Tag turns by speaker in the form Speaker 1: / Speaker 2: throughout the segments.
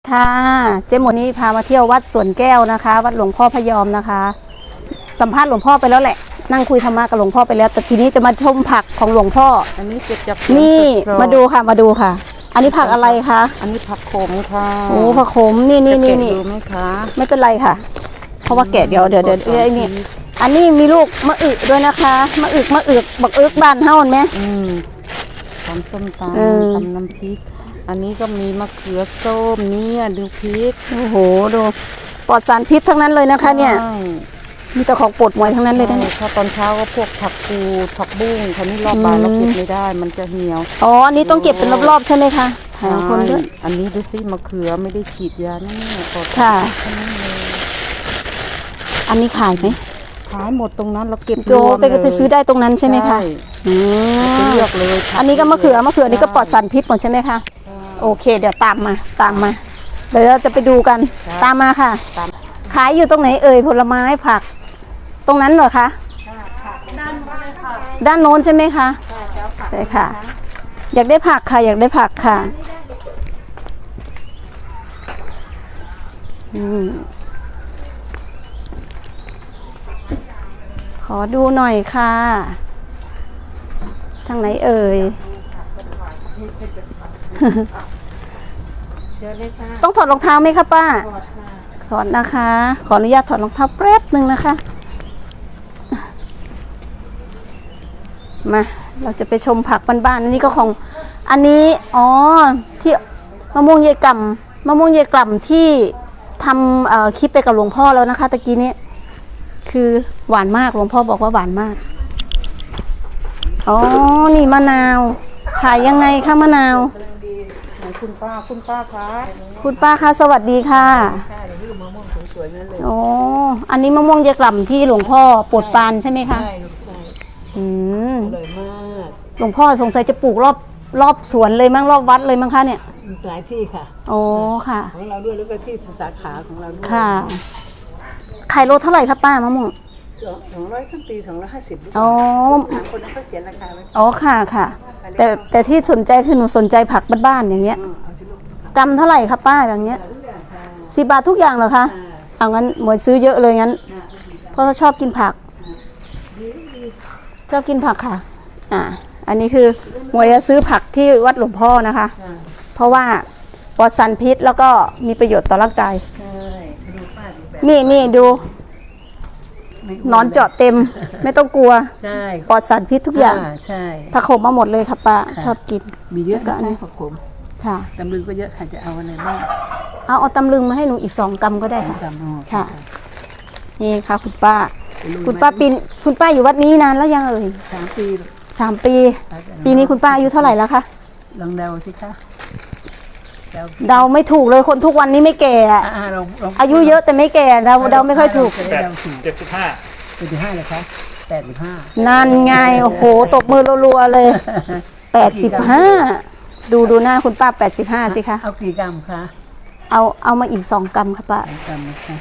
Speaker 1: ค่ะเจ๊หมดนี้พามาเที่ยววัดสวนแก้วนะคะวัดหลวงพ่อพยอมนะคะสัมภาษณ์หลวงพ่อไปแล้วแหละนั่งคุยธรรมะกับหลวงพ่อไปแล้วแต่ทีนี้จะมาชมผักของหลวงพ่อ
Speaker 2: อันนี้เก็บจาก
Speaker 1: นี่มาดูค่ะมาดูค่ะอันนี้ผักอะไรคะ
Speaker 2: อันนี้ผักโขมค่ะ
Speaker 1: โอ้ผักโขมนี่
Speaker 2: ดูไหมคะ
Speaker 1: ไม่เป็นไรค่ะเพราะว่าแกะเดี๋ยวนี่อันนี้มีลูกมะอึด้วยนะคะมะอึบักอึกบ้านเฮาไหม
Speaker 2: ทำส้มตำทำน้ำพริกอันนี้ก็มีมะเขือส้มเนี่ยดูพริก
Speaker 1: โอ้โหดูปลอดสารพิษทั้งนั้นเลยนะคะเนี่ยมีแต่ของปวดมวยทั้งนั้นเลยนะ
Speaker 2: ถ้าตอนเช้าก็พวกผักกูดผักบุ้งคราวนี้รอบบ่ายเราเก็บไม่ได้มันจะเหี่ยว
Speaker 1: อ๋ออันนี้ต้องเก็บเป็นรอบๆใช่ไหมคะ
Speaker 2: ถ่ายคนด้วยอันนี้ดูสิมะเขือไม่ได้ฉีดยานั่นเนี่ย
Speaker 1: ค่ะอันนี้ขายไหม
Speaker 2: ขายหมดตรงนั้นเราเก็บ
Speaker 1: โจไปซื้อได้ตรงนั้นใช่ไหมคะ
Speaker 2: เลือกเลย
Speaker 1: อันนี้ก็มะเขือนี่ก็ปลอดสารพิษหมดใช่ไหมคะโอเคเดี๋ยวตามมาเดี๋ยวเราจะไปดูกันตามมาค่ะขายอยู่ตรงไหนเอ่ยผลไม้ผักตรงนั้นเหรอคะด้านโน้นใช่ไหมคะใช่ค่ะอยากได้ผักค่ะขอดูหน่อยค่ะทางไหนเอ่ยต้องถอดรองเท้าไหมคะป้าถอดนะคะขออนุญาตถอดรองเท้าแป๊บหนึ่งนะคะมาเราจะไปชมผักบ้านๆอันนี้ก็ของอันนี้ที่มะม่วงเยกล่ำที่ทำคลิปไปกับหลวงพ่อแล้วนะคะตะกี้นี้คือหวานมากหลวงพ่อบอกว่าหวานมากนี่มะนาวขายยังไงคะมะนาว
Speaker 2: คุณป้าคะคุณ
Speaker 1: ป้าคะสวัสดีค่ะอันนี้มะม่วงเยกล่ำที่หลวงพ่อโปรดปรานใช่ไหมคะ
Speaker 2: ใช่อร่อยมาก
Speaker 1: หลวงพ่อสงสัยจะปลูกรอบสวนเลยมั้งรอบวัดเลยมั้งคะเนี่ย
Speaker 2: หลายที่ค่ะ
Speaker 1: ค่ะ
Speaker 2: ของเราด้วยแล้วก็ที่สาขาของเราด้วย
Speaker 1: ค่ะขายโลเท่าไหร่คะป้ามะม่วง
Speaker 2: 200ทั้งปี250คนนั้นเขาเขียนราคาไ
Speaker 1: ว้ค่ะแต่ที่สนใจคือหนูสนใจผักบ้านๆอย่างเงี้ยกำเท่าไหร่คะป้าอย่างเงี้ย10 บาททุกอย่างเหรอคะเอางั้นหมวยซื้อเยอะเลยงั้นเพราะเขาชอบกินผักค่ะอันนี้คือหมวยจะซื้อผักที่วัดหลวงพ่อนะคะเพราะว่าปลอดสารพิษแล้วก็มีประโยชน์ต่อร่างกายนี่ดูนอนเจาะเต็มไม่ต้องกลัวปลอดสารพิษทุกอย่างผักขมมาหมดเลยค่ะป้าชอบกิน
Speaker 2: มีเยอะก็ผักขม
Speaker 1: ค่ะ
Speaker 2: ตำลึงก็เยอะค่ะจะเอาอะไรบ้าง
Speaker 1: เอาตำลึงมาให้หนูอีก2 กรัมก็ได้ค่ะนี่ค่ะคุณป้าอยู่วัดนี้นานแล้วยังเอ่ย3 ปีปีนี้คุณป้าอายุเท่าไหร่แล้วคะ
Speaker 2: ลองเดาสิคะ
Speaker 1: เดาไม่ถูกเลยคนทุกวันนี้ไม่แก่อายุเยอะแต่ไม่แก่เดาไม่ค่อยถูก
Speaker 2: 75เลยคะ85
Speaker 1: นั่นไงโอ้โหตบมือรัวๆเลย85ดูหน้าคุณป้า85สิคะ
Speaker 2: เอากี่กรัมคะ
Speaker 1: เอามาอีก2 กรัมค่ะป้า
Speaker 2: 2 กรัมนะคะ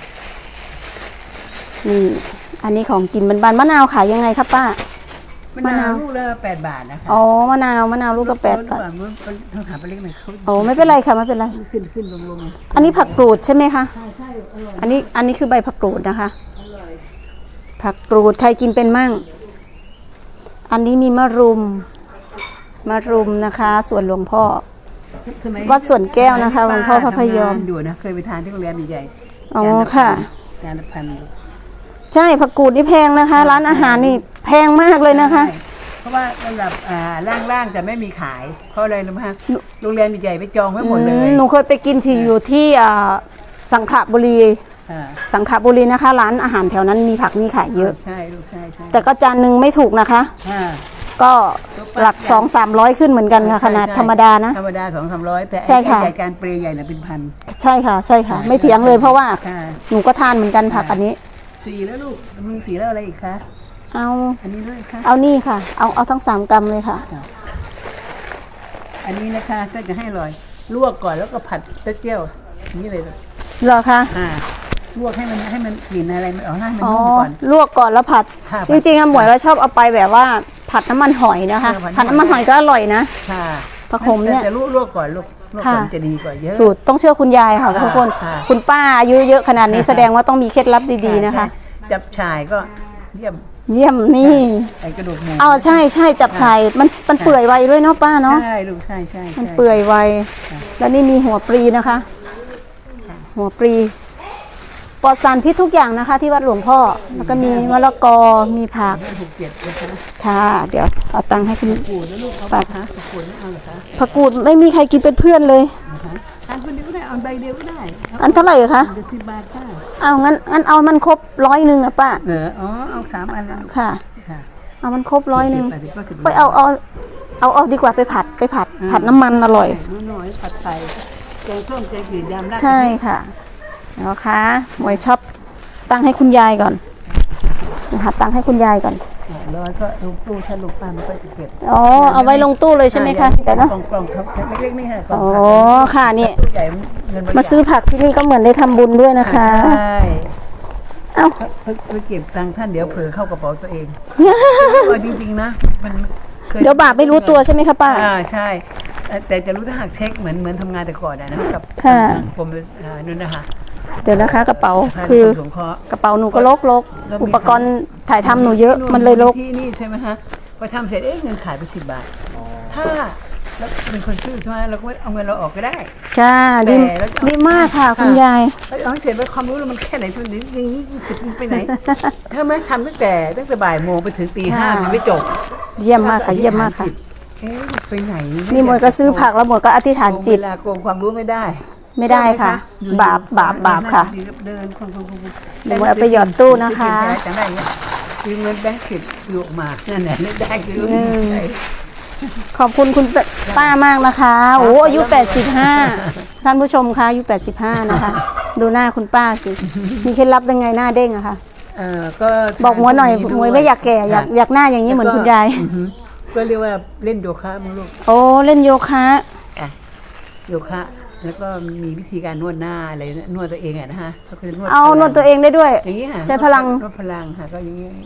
Speaker 1: นี่อันนี้ของกินบ้านๆมะนาวขายยังไงครับป้ามะนาว
Speaker 2: ลูกละ8 บาทนะคะ
Speaker 1: มะนาวลูกก็8 บาท
Speaker 2: ต้องถามไปเล็กหน่อย
Speaker 1: ไม่เป็นไรค่ะไม่เป็นไร
Speaker 2: ขึ้นลง
Speaker 1: อันนี้ผักกรูดใช่ไหมคะใช่อร่อยอันนี้คือใบผักกรูดนะคะผักกรูดใครกินเป็นมั่งอันนี้มีมะรุมนะคะส่วนหลวงพ่อวัดสวนแก้วนะคะหลวงพ่อพระพยอม
Speaker 2: อยู่นะเคยไปทานที่โรงแรมใหญ่
Speaker 1: ค่ะ
Speaker 2: จานละพัน
Speaker 1: ใช่ผักกูดนี่แพงนะคะร้านอาหารนี่แพงมากเลยนะคะ
Speaker 2: เพราะว่าสำหรับล่างๆจะไม่มีขายเพราะอะไรรู้ไหมคะโรงแรมใหญ่ไปจองไว้หมดเลย
Speaker 1: หนูเคยไปกินที่อยู่ที่สังขบุรีนะคะร้านอาหารแถวนั้นมีผักนี่ขายเยอะ
Speaker 2: ใช่
Speaker 1: แต่ก็จานนึงไม่ถูกนะคะก็หลัก200-300ขึ้นเหมือนกันค่ะขนาดธรรมดานะ
Speaker 2: ธรรมดา200-300แต่ใหญ่การเปรี้ยใหญ่น่ะเป็นพัน
Speaker 1: ใช่ค่ะไม่เถียงเลยเพราะว่าหนูก็ทานเหมือนกันผักอันนี้
Speaker 2: 4แล้วลูกมึง4แล้วอะไรอีกคะอันนี้ด้วยค่ะ
Speaker 1: เอานี่ค่ะเอาทั้ง3 กรัมเลยค่ะ
Speaker 2: อันนี้นะคะก็จะให้อร่อยลวกก่อนแล้วก็ผัดเต้าเจี้ยวนี่เลย
Speaker 1: เหรอคะ
Speaker 2: ลวกให้มันกลิ่นอะไรมันออกให้มันนุ่มก่อน
Speaker 1: ลวกก่อนแล้วผัดจริงๆหมวยว่าชอบเอาไปแบบว่าผัดน้ำมันหอยนะคะผัดน้ำมันหอยก็อร่อยนะ
Speaker 2: ค่ะ
Speaker 1: ผักขมเนี่ย
Speaker 2: แต่ลวกก่อนลูกเมื่อ
Speaker 1: ค่ะ
Speaker 2: ก่อนจะดีกว่าเยอะ
Speaker 1: สูตรต้องเชื่อคุณยายค่ะ
Speaker 2: ค่ะ
Speaker 1: ทุกคน
Speaker 2: ค่ะ
Speaker 1: คุณป้าอายุเยอะขนาดนี้แสดงว่าต้องมีเคล็ดลับดีๆนะคะ
Speaker 2: ใช่จับฉ่ายก็เยี่ยม
Speaker 1: เยี่ยมนี่
Speaker 2: ไอ้กระดูกหมู
Speaker 1: เอาใช่ใช่จับใส่มันเปื่อยไวด้วยเนาะป้าเนาะ
Speaker 2: ใช่ลูกใช่
Speaker 1: มันเปื่อยไว แล้วนี่มีหัวปลีนะคะ หัวปลีปลอดสารพิษทุกอย่างนะคะ ที่วัดหลวงพ่อ แล้วก็มีมะละกอ มีผัก
Speaker 2: ถูกเจ็ดนะคะ
Speaker 1: ค่ะ เดี๋ยวเอาตังค์ให้คุณ
Speaker 2: กูดแล้วลูกเอา
Speaker 1: ป้า
Speaker 2: คะกูดไม่เอาเหรอคะ
Speaker 1: ผักกูดไม่มีใครกินเป็นเพื่อนเลย
Speaker 2: นะคะอันคนเดียวก็ได้เอาใบเดียวก็ได้
Speaker 1: อันเท่าไหร่คะ
Speaker 2: เดี๋ยว10 บาทค่ะ
Speaker 1: เอางั้นเอามันครบ100อะป้า
Speaker 2: อ๋อเอา3 อันแล้ว
Speaker 1: ค่ะ
Speaker 2: ค่ะ
Speaker 1: เอามันครบ100
Speaker 2: 80ก็10
Speaker 1: ไปเอาดีกว่าไปผัดน้ำมันอร่อย
Speaker 2: น้อยๆผัดไทยแกงส้มแกงจืดยำราด
Speaker 1: ใช่ค่ะนะคะหมวยช็อปตั้งให้คุณยายก่อนนะคะตั้งให้คุณยายก่อน
Speaker 2: ร้อยก็ลูกตู้ถ้าลูกปลามันก็จะเก็บ
Speaker 1: อ๋อเอาไว้ลงตู้เลยใช่ไหมคะเดี๋ยวนะ
Speaker 2: กล่องครับเซ็ตเล็กๆนี่ค่ะกล่อง
Speaker 1: อ๋อ
Speaker 2: ผัก
Speaker 1: ค่ะนี่
Speaker 2: ตู้ใหญ่เงินบริจค
Speaker 1: มาซื้อผักที่นี่ก็เหมือนได้ทำบุญด้วยนะคะ
Speaker 2: ใช่
Speaker 1: เอ้า
Speaker 2: ไปเก็บตังค์ท่านเดี๋ยวเผลอเข้ากระเป๋าตัวเองจริงๆนะมันค
Speaker 1: เดี๋ยวบาปไม่รู้ตัวใช่ไหมคะป้า
Speaker 2: ใช่แต่จะรู้ถ้าหากเช็คเหมือนทำงานแต่ก่อนนะกับ
Speaker 1: ค่ะ
Speaker 2: กรมนู่นนะคะ
Speaker 1: เดี๋ยวนะคะกระเป๋า
Speaker 2: สภ
Speaker 1: คือ
Speaker 2: สงเคราะห์
Speaker 1: กระเป๋าหนูก็ลก
Speaker 2: แล้วมี
Speaker 1: อุปกรณ์ถ่ายทำหนูเยอะมันเลยลก
Speaker 2: ที่นี่ใช่ไหมฮะพอทำเสร็จเงินขายไป10 บาทถ้าแล้วเป็นคนซื้อใช่ไหมเราก็เอาเงินเราออกก็ได้
Speaker 1: ค่ะดี
Speaker 2: แต่แล้วจะ
Speaker 1: ดีมากค่ะคุณยาย
Speaker 2: เอาให้เสร็จไปความรู้เรามันแค่ไหนทุนนี้อย่างนี้สิบไปไหน ถ้าไม่ทำตั้งแต่บ่ายโมงไปถึงตี 5มันไม่จบ
Speaker 1: เยี่ยมมากค่ะเยี่ยมมากค่ะ
Speaker 2: เอ๊ะไปไหน
Speaker 1: นี่หมวยก็ซื้อผักแล้วหมวยก็อธิษฐานจิต
Speaker 2: เวลาโกงความรู้ไม่ได้
Speaker 1: ไม่ได้ค่ะ
Speaker 2: อยู่
Speaker 1: บาปค่ะ
Speaker 2: เดินคน
Speaker 1: เดี๋ยวเอาไปหยอดตู้นะคะ
Speaker 2: จังได้เนี่ยคือเงินแบงค์10อยู่ออกมานั่นแหละนึกได้คือใช่
Speaker 1: ขอบคุณคุณป้ามากนะคะ โอ้อายุ 85 ท่านผู้ชมคะอายุ 85 นะคะ ดูหน้าคุณป้าสิ มีเคล็ดลับยังไงหน้าเด้งอะคะ
Speaker 2: ก็
Speaker 1: บอกหมวยหน่อยหมวยไม่อยากแก่อยากหน้าอย่างนี้เหมือนคุณยาย
Speaker 2: ก็เรียกว่าเล่นโยคะมั้งลูก
Speaker 1: โอ้เล่นโยคะ
Speaker 2: โยคะแล้วก็มีวิธีการนวดหน้าอะไรนวดตัวเองอะนะฮะก็คือนวด
Speaker 1: เอานวดตัวเองได้ด้วย
Speaker 2: อย่างนี้ค่ะ
Speaker 1: ใช้พลัง
Speaker 2: นวดพลังค่ะก็อย่างนี้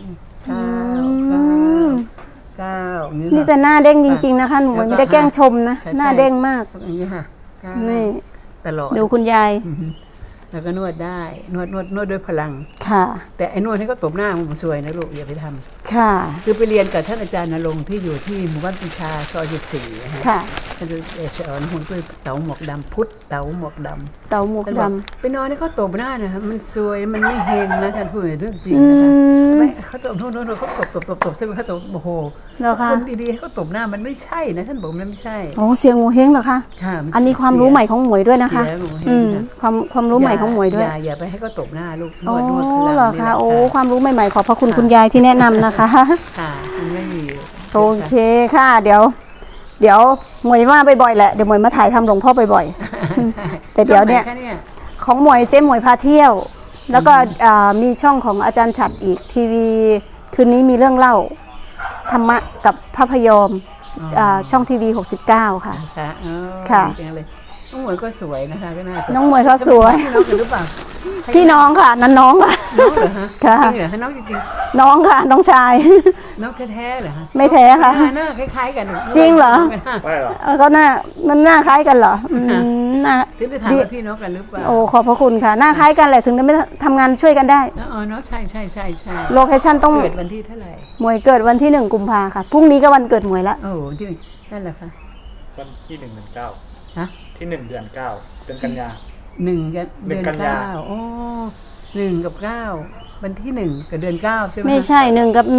Speaker 2: ก้าวอย่างนี้
Speaker 1: นี่แต่หน้าเด้งจริง ๆ นะคะ หนูไม่ได้แกล้งชมนะ หน้าเด้งมาก
Speaker 2: อย่างนี้ค่ะก้าว
Speaker 1: นี่
Speaker 2: ตลอด
Speaker 1: ดูคุณยาย
Speaker 2: แล้วก็นวดได้นวดด้วยพลัง
Speaker 1: ค่ะ
Speaker 2: แต่ไอ้นวดให้ก็ตบหน้ามันสวยนะลูกอย่าไปทำ
Speaker 1: ค่ะ
Speaker 2: คือไปเรียนกับท่านอาจารย์ณรงค์ที่อยู่ที่หมู่บ้านปิชาซอย14นะฮะ
Speaker 1: ค่ะ
Speaker 2: ท่านจะสอนหุ่นด้วยเต๋าหมวกดำพุทธเต๋าหมวกดำ
Speaker 1: เตาหมวก
Speaker 2: ท่าน
Speaker 1: ด
Speaker 2: บอกไปนอนให้เขาตบหน้านะคะมันสวยมันไม่เฮงนะท่านพูดเรื่องจริง
Speaker 1: ำอื
Speaker 2: นะคะ
Speaker 1: ม
Speaker 2: ไม่เขาตบโน่นเขาตบใช่ไหมเขาตบโอ้โห
Speaker 1: เหรอคะ
Speaker 2: คนดีๆให้เขาตบหน้ามันไม่ใช่นะท่านบอกมันไม่ใช่
Speaker 1: โอ้เสียงโงเฮงเหรอคะ
Speaker 2: ค่ะมั
Speaker 1: อันนี้ความรู้ใหม่ของหมวยด้วยนะคะ
Speaker 2: เสียโงเห้ง
Speaker 1: อืม
Speaker 2: ค่ะ
Speaker 1: ความรู้ใหม่ของหมวยด้วย
Speaker 2: อย่าไปให้เขาตบหน้าลูกน
Speaker 1: โอ้
Speaker 2: วดพลัง
Speaker 1: เหรอ
Speaker 2: นี่แห
Speaker 1: คะ
Speaker 2: ละ
Speaker 1: โอ้ความรู้ใหม่ๆขอบพระคุณคุณยายที่แนะนำนะคะ
Speaker 2: ค่ะมันไม่มี
Speaker 1: โอเคค่ะ เดี๋ยวหมวยมาบ่อยๆแหละเดี๋ยวหมวยมาถ่ายทำหลวงพ่อบ่อย
Speaker 2: ใช่
Speaker 1: แต่เดี๋ยวเนี่ย
Speaker 2: ช่องไหคะ
Speaker 1: ๆของหมวยเจ๊หมวยพาเที่ยว แล้วก็มีช่องของอาจารย์ฉัดอีกทีวีคืนนี้มีเรื่องเล่าธรรมะกับภาพยมช่องทีวี69 ค่ะ
Speaker 2: ค่ะ
Speaker 1: ค่ะ
Speaker 2: ดีจังเลยน้องหมวยก็สวยนะคะก็น่าสวย
Speaker 1: น้องหมวยเขาสวย
Speaker 2: พี่น้องกันหรือเปล่า
Speaker 1: พี่น้องค่ะนั่นน้องค่ะ
Speaker 2: น้องเหรอฮะ
Speaker 1: ค่ะ
Speaker 2: จริงเหรอฮะน้องจริง
Speaker 1: น้องค่ะ น้องชาย
Speaker 2: ๆน้องแท้ๆเหรอฮะ
Speaker 1: ไม่แท้ค่ะ
Speaker 2: หน้าคล้ายๆกัน
Speaker 1: จริงเหรอ
Speaker 3: ไม่หรอก
Speaker 1: ก็มันหน้าคล้ายกันเหรอหน้า
Speaker 2: ถึงได้ถาม
Speaker 1: ดี
Speaker 2: ว่าพี่น้องกันหรือเปล่า
Speaker 1: โอ้ขอบพระคุณค่ะ หน้าคล้ายกันแหละถึงได้ไม่ทำงานช่วยกันได้
Speaker 2: อ๋อเนาะใช่
Speaker 1: โลเคชั่นต้อง
Speaker 2: เกิดวันที่เท่าไหร่
Speaker 1: หมวยเกิดวันที่1 กุมภาค่ะพรุ่งนี้ก็วันเกิดหมวยละ
Speaker 2: โอ้โหที่นั่นแหละค่ะ
Speaker 3: วันที่1/9
Speaker 2: ฮะ
Speaker 3: ที่1 เดือน 9 เดือนกันยา
Speaker 2: 1 เดือน
Speaker 3: หนึ่งกันยา
Speaker 2: 9โอ้1 กับ 9วันที่1กับเดือน9ใช่ไหม
Speaker 1: ไม่ใช่1 กับ 1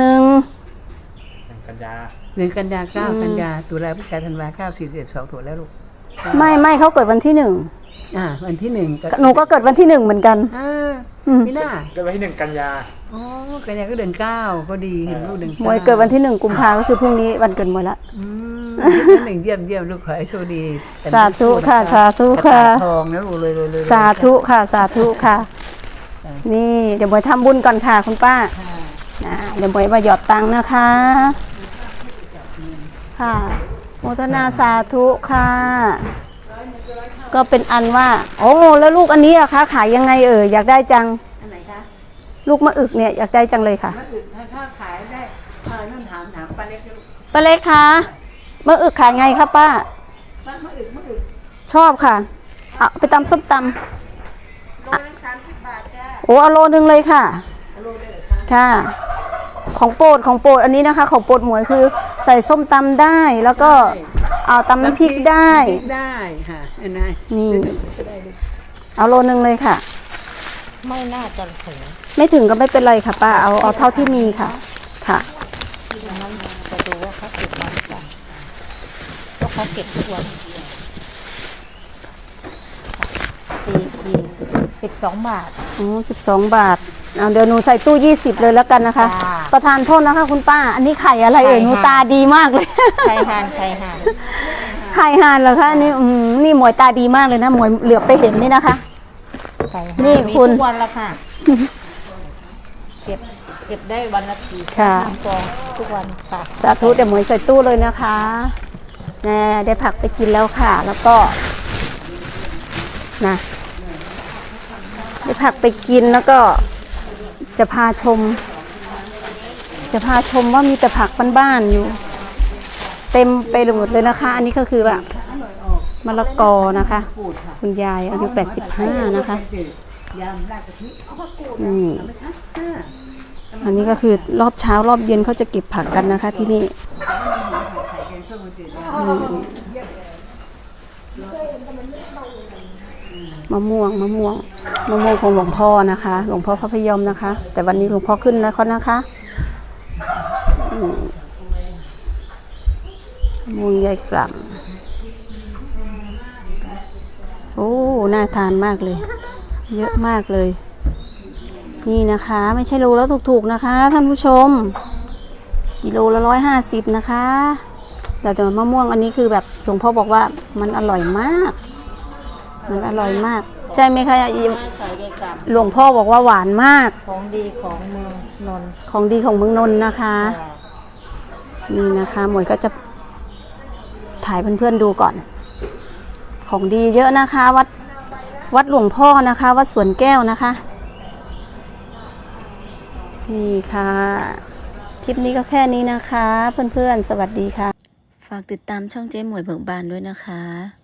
Speaker 3: 1 กันยา
Speaker 2: 1 กันยา9 กันยาตุลาพฤศจิกาธันวา9 4 1 2ถูกแล้วลูก
Speaker 1: ไม่เขาเกิดวันที่
Speaker 2: วันที่1
Speaker 1: 1หนูก็เกิดวันที่ 1เหมือนกัน
Speaker 2: ไม่น่า
Speaker 3: เกิดวันที่1 กันยา
Speaker 2: อ๋อกันยาก็เดือน9ก็ดีเห็นลูกเดือน
Speaker 1: หมวยเกิดวันที่1 กุมภาก็คือพรุ่งนี้วันเกิดหมวยละ
Speaker 2: หนึ่งเยี่ยมลูกขอให้โชคดี
Speaker 1: สาธุค่ะสาธุค่ะ
Speaker 2: กระต่ายทองนะลูกเลย
Speaker 1: สาธุค่ะสาธุค่ะ นี่เดี๋ยวหมวยทำบุญก่อนค่ะคุณป้าเดี๋ยวหมวยมาหยอดตังค์นะคะ ค่ะโมทนาสาธุค่ะ ก็เป็นอันว่า โอ้แล้วลูกอันนี้อะคะขายยังไงอยากได้จัง
Speaker 2: อันไหนคะ
Speaker 1: ลูกมะอึกเนี่ยอยากได้จังเลยค่ะ
Speaker 2: มะอึกถ้าขายได้นั่นถามป้าเล็กลูก
Speaker 1: ป้าเล็กคะมะอึกขายไงคะป้า
Speaker 2: มะอึก
Speaker 1: ชอบค่ะเอาไปตำส้มตำโอ้เอาโลนึงเลยค่ะค่ะ ของโปรดอันนี้นะคะ ของโปรดหมวยคือใส่ส้มตำได้แล้วก็เอาตำน้ำพริกได้
Speaker 2: ได้ค่ะเห็นไหม
Speaker 1: นี่เอาโลนึงเลยค่ะ
Speaker 2: ไม่น่าจะถึง
Speaker 1: ไม่ถึงก็ไม่เป็นไรค่ะป้าเอาเท่าที่มีค่ะค่ะ
Speaker 2: จะดูว่าเขาเก็บมาหรือเปล่าก็เขาเก็บทุกวัน12 บาท
Speaker 1: อ๋อ12 บาทเอาเดี๋ยวหนูใส่ตู้ 20เลยแล้วกันนะคะ
Speaker 2: จ้า
Speaker 1: ประทานโทษนะคะคุณป้า อันนี้ไข่อะไรเอ่ย
Speaker 2: ไข่
Speaker 1: หนู
Speaker 2: ห่าน
Speaker 1: ตาดีมากเลย
Speaker 2: ไข่ห่าน
Speaker 1: ไข่ห่านเหรอคะอันนี่นี่หมวยตาดีมากเลยนะหมวยเหลือบไปเห็นนี่นะคะ
Speaker 2: ไข่ห่าน
Speaker 1: นี่
Speaker 2: มี
Speaker 1: คุณ
Speaker 2: ทุกวันละค่ะ เก็บได้วันละกี่
Speaker 1: ค่ะ
Speaker 2: ฟองทุกวันค่ะ
Speaker 1: สาธุเดี๋ยวหมวยใส่ตู้เลยนะคะแน่ได้ผักไปกินแล้วค่ะ แล้วก็นะได้ผักไปกินแล้วก็จะพาชมว่ามีแต่ผักบ้านๆอยู่ เต็มไปหมดเลยนะคะ อันนี้ก็คือแบบมะละกอนะคะ คุณยายอายุ85นะคะอันนี้ก็คือรอบเช้ารอบเย็นเขาจะเก็บผักกันนะคะที่นี่มะม่วงของหลวงพ่อนะคะ หลวงพ่อพระพยอมนะคะ แต่วันนี้หลวงพ่อขึ้นแล้วเขานะคะมะม่วงใหญ่กล่ำโอ้น่าทานมากเลย เยอะมากเลย นี่นะคะไม่ใช่โลแล้วถูกๆนะคะท่านผู้ชมกิโลละ150นะคะแต่มะม่วงอันนี้คือแบบหลวงพ่อบอกว่ามันอร่อยมากใช่ไหมคะ
Speaker 2: ใส่ได้กับ
Speaker 1: หลวงพ่อบอกว่าหวานมาก
Speaker 2: ของดีของเมืองนนท์
Speaker 1: ของดีของเมืองนนท์นะคะ นี่นะคะหมวยก็จะถ่ายเพื่อนๆดูก่อน ของดีเยอะนะคะ วัดหลวงพ่อนะคะวัดสวนแก้วนะคะนี่ค่ะคลิปนี้ก็แค่นี้นะคะ เพื่อนๆสวัสดีค่ะฝากติดตามช่องเจ๊หมวยเบิกบานด้วยนะคะ